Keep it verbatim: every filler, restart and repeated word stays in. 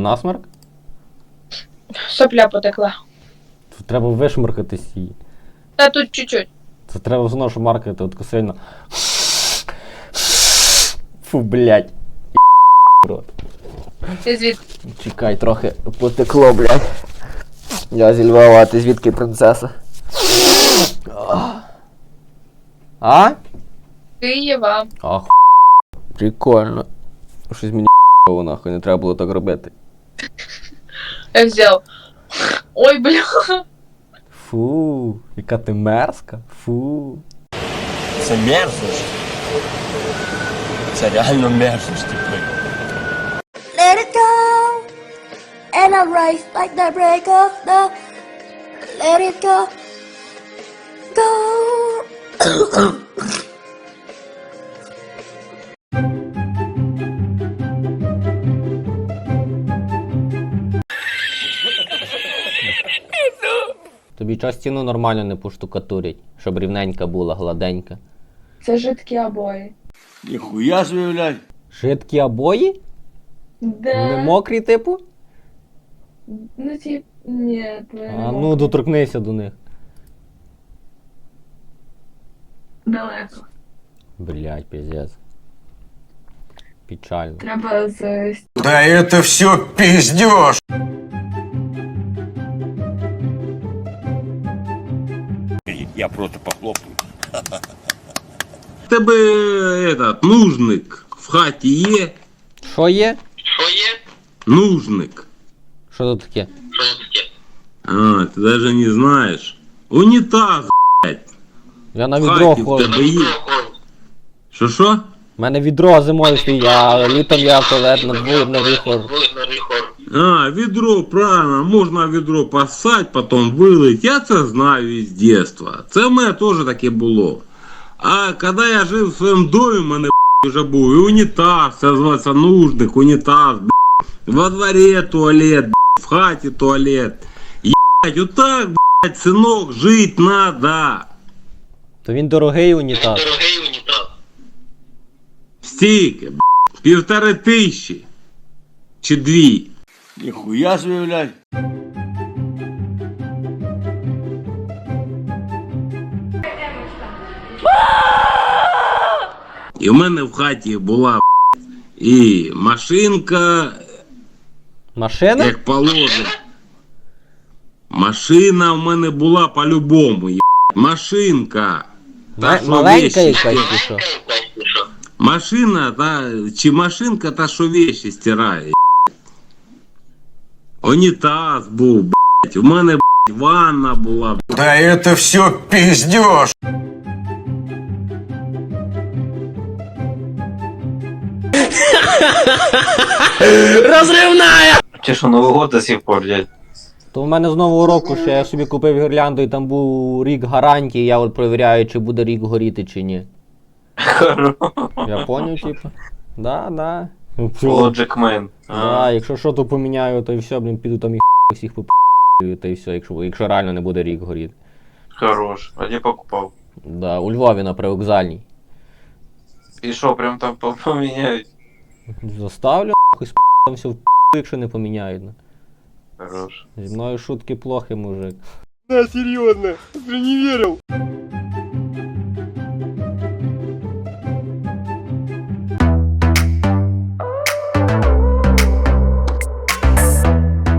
насморк? Сопля потекла. Тут треба вишмаркатись її. Та тут чуть-чуть. Це треба знову шмаркати, от сильно. Фу, блядь. Рот. Ти звідки? Чекай, трохи потекло, блядь. Я зі Львова, а ти звідки, принцеса? А? Києва. Ах, прикольно. Щось мені нахуй, не треба було так робити. Я взяв. Ой, бля. Фу, яка ти мерзка. Фу. Це мерзость. Це реально мерзость, типу. Let it go, and I rise like the break of the. Let it go, go. Тобі час стіну нормально не поштукатурять, щоб рівненька була, гладенька. Це жидкі обої. Ніхуя собі, блядь. Жидкі обої? Да. Не мокрі, типу? Ну, тип, ні, А ну, доторкнися до них. Далеко. Блядь, пиздец. Печально. Треба з... Да это все пиздеж. Я просто похлопаю. Тебе этот нужник в хаті є? Що є? Нужник. Що тут таке? А, ти даже не знаєш. Унітаз, блядь. Я на В відро хаті в ходжу. тебе є. Що що? У мене відро зимою стоїть, а літом я в туалет на двір на вихор. А, відро, правильно, можна відро посать, потім вилить. Я це знаю із дитинства. Це в мене теж таке було. А коли я жив в своєму домі, в мене б**, вже був і унітаз, це називається нужник, унітаз, б**. Во дворі туалет, б**, в хаті туалет. Єбать, отак, блядь, синок, жить надо. То він дорогий унітаз. Стільки, б**, півтори тисячі. Чи дві. Ніхуя собі, блядь. І в мене в хаті була б**, і машинка, Машина? як положено. Машина в мене була по-любому, є. Машинка. Та, Ма- що маленька вещі якась стирає. чи що? Машина, та, чи машинка, та що вещі стирає. є. Унітаз був, блядь. У мене, блядь, ванна була. Блядь. Да это все пиздеж. Те, что Новый год до сих пор, дядь. То в мене з нового року ще я собі купив гірлянду і там був рік гарантії, я от перевіряю, чи буде рік горіти чи ні. Хорош. Я поняв, типу. Да, да. Ну, всьо. Logic Man. Да, якщо що, то поміняю, то і все, блін, піду там і всіх поп'ю, та і все, якщо, якщо реально не буде рік горіти. Хорош. А где покупал? Да, у Львові на привокзальній. И шо, прям там по- поменяют? Заставлю, нахуй, з там все в якщо не поміняють. ну. Хорош. Зі мною шутки плохи, мужик. Да, серьезно, ты не верил.